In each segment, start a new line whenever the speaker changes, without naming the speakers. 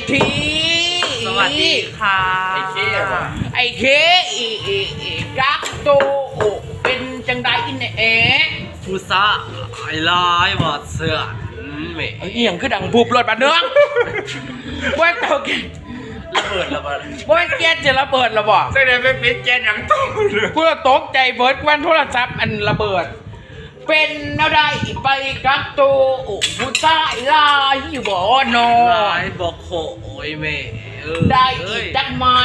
ที
สวัสดีค่ะ
ไอ้เคกักโตเป็นจังไดอินเอ๋
ผู้ซะไอ้ลายหมดเสือแหม
เอียงคือดังบุบรถบัดเนืองว่าเตาแก
ระเบิด
ว่าแกจะระเบิดระบอก
แสดงเป็นปิดแกนอย่างตู้เลย
เพื่อตกใจเบิร์ดวันโทรศัพท์อันระเบิดเป็นอะไรไปกักโตผู้ชายลายอยู่บ่อนอ
ลายบอกโขโอ้ยแม่
ได้อีกจักไม้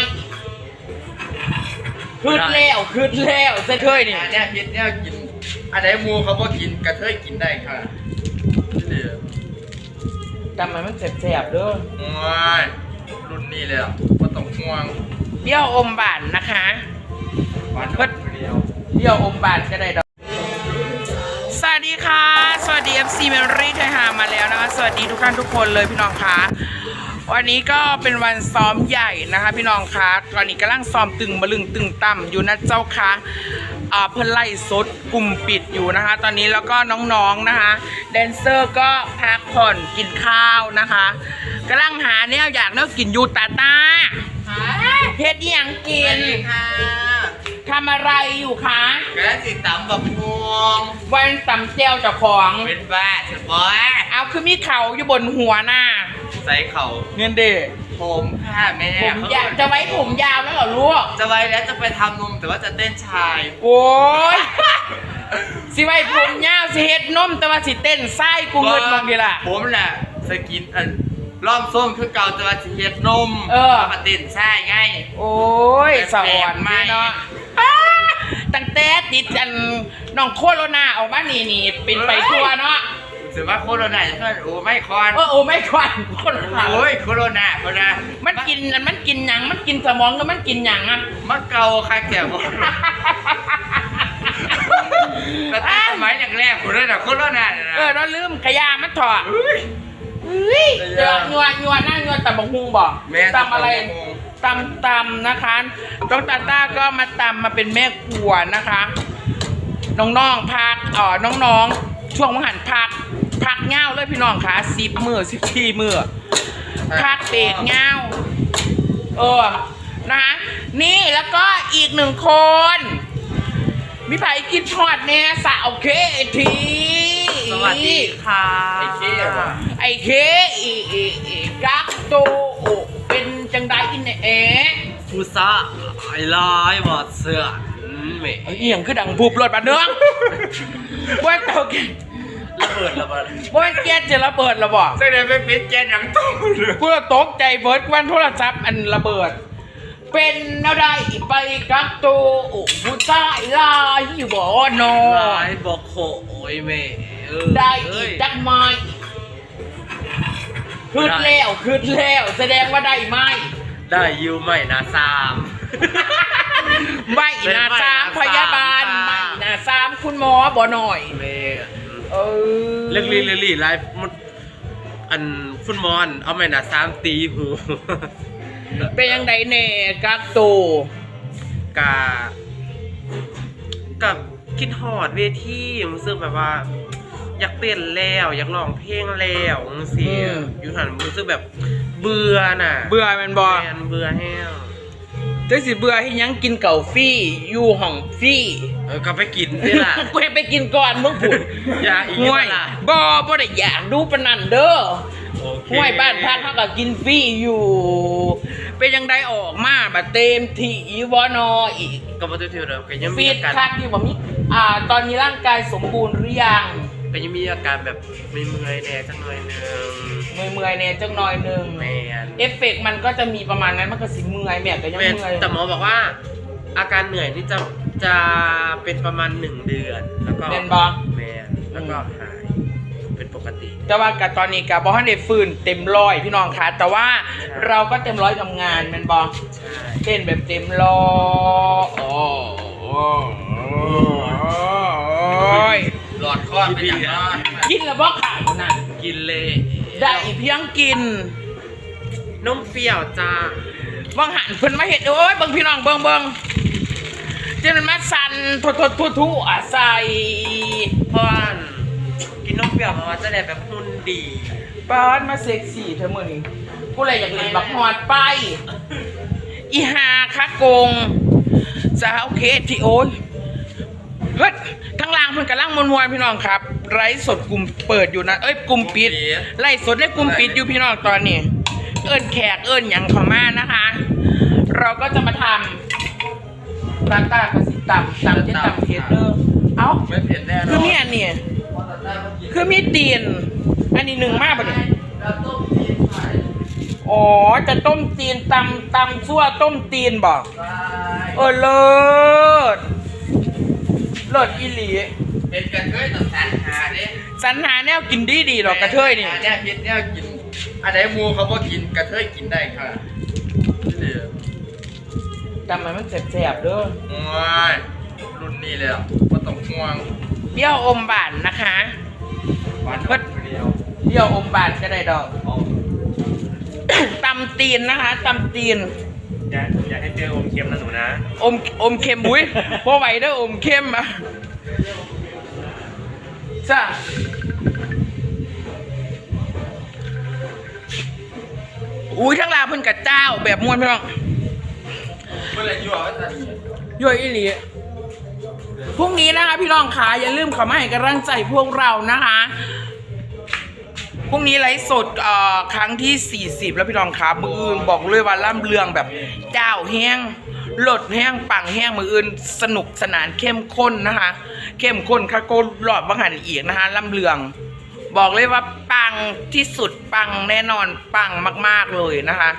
คืดแล้วเสร็จเคยนี่
เนี่ยคิดเนี่ยกินอะไรมูเขาบอกกินกระเทยกินได้ค่ะ
จำมันแสบๆเด้อ
โอ้ยรุ่นนี้เลยว่าต้องห่วง
เดี่ยวอมบานนะคะ
เพิ่น
เดี่ยวอมบานก็ได้ดอกสวัสดีค่ะสวัสดี FC Memory ไทยหามาแล้วนะคะสวัสดีทุกท่านทุกคนเลยพี่น้องคะวันนี้ก็เป็นวันซ้อมใหญ่นะคะพี่น้องคะตอนนี้กำลังซ้อมตึงบะลึงตึงต่ำอยู่นะเจ้าคะเพิ่นไล่สดกลุ่มปิดอยู่นะคะตอนนี้แล้วก็น้องๆนะคะแดนเซอร์ก็พักผ่อนกินข้าวนะคะกำลังหาเนี่ยอยากเนื้อกินยูตาตาเพชรยังกินทำอะไรอยู่คะ
กระสิตำแบบพวง
วันตำเจียวเจ้าของ
เป็นบ้าสบอย
เอาคือมีเข่าอยู่บนหัวหน้า
ใส่เข่า
เงินเด็ก
ผมค่ะแม่
ผมอยากจะไว้ผมยาวแล้วเหรอลูก
จะไว้แล้วจะไปทำนมแต่ว่าจะเต้นชาย
โอ้ยสิไว้ผมยาวสิเฮ็ดนมแต่ว่าสิเต้นไส้กูเงินบางทีล่ะ
ผมแหละสกินล้อมส้มคือเก่าแต่ว่าสิเฮ็ดนมมาเต้นไส้ไง
โอ้ยสวรรค์เนาะตั้งแต่ติดน้องโคโรนาออกมานี่เป็นไปทั่วเนาะ
ถือว่าโคโรนาจะโอ้ไม่คอน
โอ้ไม่คอนโคโรนา
โอ้ยโคโรนา
มันกินหยังมันกินสมองแล้วมันกินหยังอ่ะ
มันเกาใครแก่บ่แต่สมัยแรกๆคนนั้นโคโรนา
เราลืมขยามันถอดเจองัวนั่งงัวตำบักฮุงบอกตำอะไรตำนะคะน้องตาต้าก็มาตำมาเป็นแม่ครัวนะคะน้องๆพักน้องๆช่วงวันหันพักเง่าเลยพี่น้องค่ะ10 มื้อ14 มื้อพักเบรกเง่านะคะนี่แล้วก็อีก1 คนมีไผ่กินทอดเนี่ยสาวเคที
สวัสดีค่ะ
ไอ้เคกักโตเป็นจังไดอินเอ๋
ผู้ซะไอ้ลายหมดเสือแหม
เอียงคือดังบุบรถบัดเนืองว่าเตาแก
ระเบิด
ว่าแกจะระเบิดระบอก
แสดงเป็นปิดแกนอย่างตู้เลย
เพื่อตกใจเบิร์ดวันโทรศัพท์อันระเบิดเป็นอะไรไปกักโตผู้ชายลายอยู่บ่อนอ
ลายบอกโขโอ้ยแม่
ได้อีกจักไม้คืดแล้วแสดงว่าได้ไหม
ได้ยูไม่นะ
3ไม่นะ3พยาบาลไม่นะ3คุณหมอบ่หน่อย
แม่เรื่องลีไลฟ์อันฟุตบอลเอาไม่นะ3ตีหู
เป็นยังไงเน่กักโต
กับคิดฮอดเวทีรู้สึกแบบว่าอยากเต้นแล้วอยากร้องเพลงแล้วสิอยู่หันรู้สึกแบบเบื่อน่ะ
เบื่อมันบ่
เบื่อแห้ง
จังสิเบื่อให้ยังกินเก่าฟรีอยู่ห้องฟรี
ก็ไปกินนี่ล่ะ
กูไปกินก่อนมึงพูด
อย่าอีกล่ะ
บ่ได้อยากดูปานนั้นเด้อห้วยบ้านพักเขาก็กินฟรีอยู่เป็นยังไงออกมาแบบเต็มที่วอนออีก
ก็บ่เต็มที่แล้วก็ยัง
มีอาการคักที่บ่มีตอนนี้ร่างกายสมบูรณ์หรือยัง
ก็ยังมีอาการแบบเมื่อยแน่จังหน่อยนึง
เมื่อยแน่จังหน่อยนึง
แม่
เอฟเฟกต์มันก็จะมีประมาณนั้นมันก็สิเมื่อยแม่ก็ยังเมื่อย
แต่หมอบอกว่าอาการเหนื่อยนี่จะเป็นประมาณ1 เดือนแล้วก็
เป็นบ่
แม่แล้วก็หายเป็นปกติ
แต่ว่ากับตอนนี้กับบ่ทันได้ฟื้นเต็มร้อยพี่น้องค่ะแต่ว่าเราก็เต็มร้อยทำงานแม่นบ่
ใช่
เต้นแบบเต็มร้อย
หลอดคอเป็นอย่างนั้น
กินแล้วบ่ขาดนั่น
กินเลย
ได้เพียงกิน
นมเปรี้ยวจ้า
บางหันเพิ่นมาเห็ดโอ้ยบางพี่น้องเบิ่งจนมันมาสั่นทุใส่
เพราะกินนมเปรี้ยวมาจะได้แบบหุ่นดี
ป้อนมาเซ็กซี่เธอมื้อนี้ผกูเลยอยากเล่นบักฮอดไปอีหาคะโกงสาวเคสที่โอ้ยเฮ้ยทั้งล่างเพิ่นกำลังมวนๆพี่น้องครับไลฟ์สดกลุ่มเปิดอยู่นะกลุ่มปิดไลฟ์สดได้กลุ่มปิดอยู่พี่น้องตอนนี้เอิ้นแขกเอิ้นหยังเข้ามานะคะ เราก็จะมาทำราตากระสิตำเจ็ดตำเพชรเด้อเอ้า
ไม่เผ็ดแน่นอน
คือมีอันนี้คือมีตีนอันนี้หนึ่งมากปะเนี่ยอ๋อจะต้มตีนตำซั่วต้มตีนบอกเลิศอีหลี
เป็นกระเทยต้องสรรหาเนี่ย
สรรหาแนวกินดีหรอกกระเทยนี่
เนี่ยเผ็ดเนี่ยกินอะไรมูเขาบอกกินกระเทยกินได้ค่ะนี่
จำมันแสบๆเด้อ
โอ้ยรุ่นนี้เลยว่าต้องห่วง
เดี่ยวอมบานนะคะ
หวานเดียว
เดี่ยวอมบานก็ได้ดอก ตำตีนนะคะตำตีน
อย่าให้เจออมเค็มนะหนูนะ
อมเค็มบุ้ยพอไหวเด้ออมเค็มอ่ะจ้าอุ้ยทั้งลาวเพิ่นกับเจ้าแบบม้วนพี่น้อง
เมื่อไรยั่วก็จะ
ย่อยอีหลีพรุ่งนี้นะคะพี่น้องขาอย่าลืมเข้ามาให้กำลังใจพวกเรานะคะพรุ่งนี้ไลฟ์สดครั้งที่40แล้วพี่น้องขามืออื่นบอกเลยว่าล่ำเรืองแบบเจ้าแห้งหลดแห้งปังแห้งมืออื่นสนุกสนานเข้มข้นนะคะเข้มข้นคาโกหลอดบังหันอีกนะคะล่ำเรืองบอกเลยว่าปังที่สุดปังแน่นอนปังมากๆเลยนะคะ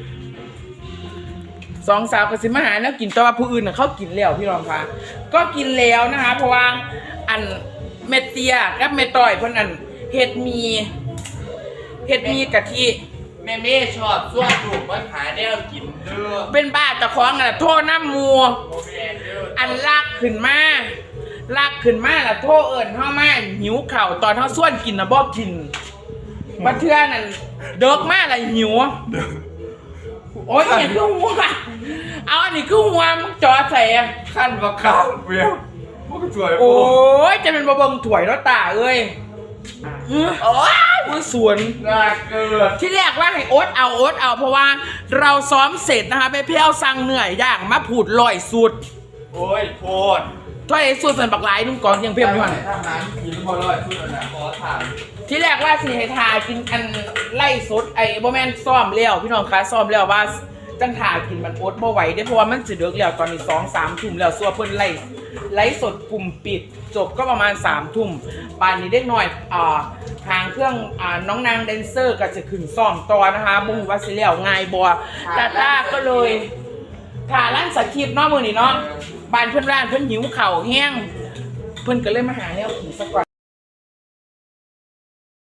สองสาวกสิมาหาแล้วกินแต่ว่าผู้อื่นเขากินแล้วพี่รองคะก็กินแล้วนะคะเพราะว่าอันเมเตียกับเมต่อยเพิ่นอันเห็ดมีกะทิ
แม่ชอบส่วนถูกมาหาแนวกินเด้อ
เป็นบ้าตะคองอะโทษน้ำมัว
โอเคเด้อ
อันลากขึ้นมาล่ะโทษเอิญเฮามาหิวเข่าวตอนเฮาส่วนกินนะบ่กินบัดเทื่อนั่นเดิกมาละหิวโอ๊ยอย่าคือหัวเอาอันนี้คือหัวมึงจอใส่อะ
ขั้นบักข้าวเปรี้ยวพวกสวย
โอ้ยจะเป็นบะเบิงถวยแล้วตาเอ้ยโอ้ยมือสวน
น่าเกิด
ที่แรกว่าให้โอ๊ตเอาเพราะว่าเราซ้อมเสร็จนะคะไปเพี้ยวสั่งเหนื่อยอย่างมาผูดลอยสุด
โอ้ยโคตร
ถ้าไอ้สุดเป็นบักหลายนุ่งก่อนยังเพี้ยมอยู่หัน
ทหารกินพอร้อยชุดแล้วนะขอถาม
ที่แรกว่าสิให้ทากินอันไล่สดไอ้บ่แม่นซ้อมแล้วพี่น้องคะซ้อมแล้วว่าจังทากินมันโอ๊ตบ่ไหวได้เพราะว่ามันสิเดึกแล้วตอนนี้2-3 ทุ่มแล้วซัวเพิ่นไล่สดกลุ่มปิดจบก็ประมาณ3 ทุ่มป่านนี้เด็กน้อยทางเครื่องน้องนางแดนเซอร์ก็จะขึ้นซ้อมต่อนะคะบ่ฮู้ว่าสิแล้วง่ายบ่ตาก็เลยถ้าร้านสคริปต์เนาะมื้อนี้เนาะบ้านเพิ่นร้านเพิ่นหิวข้าวแห้งเพิ่นก็เลยมาหาแนวกินซะก่อน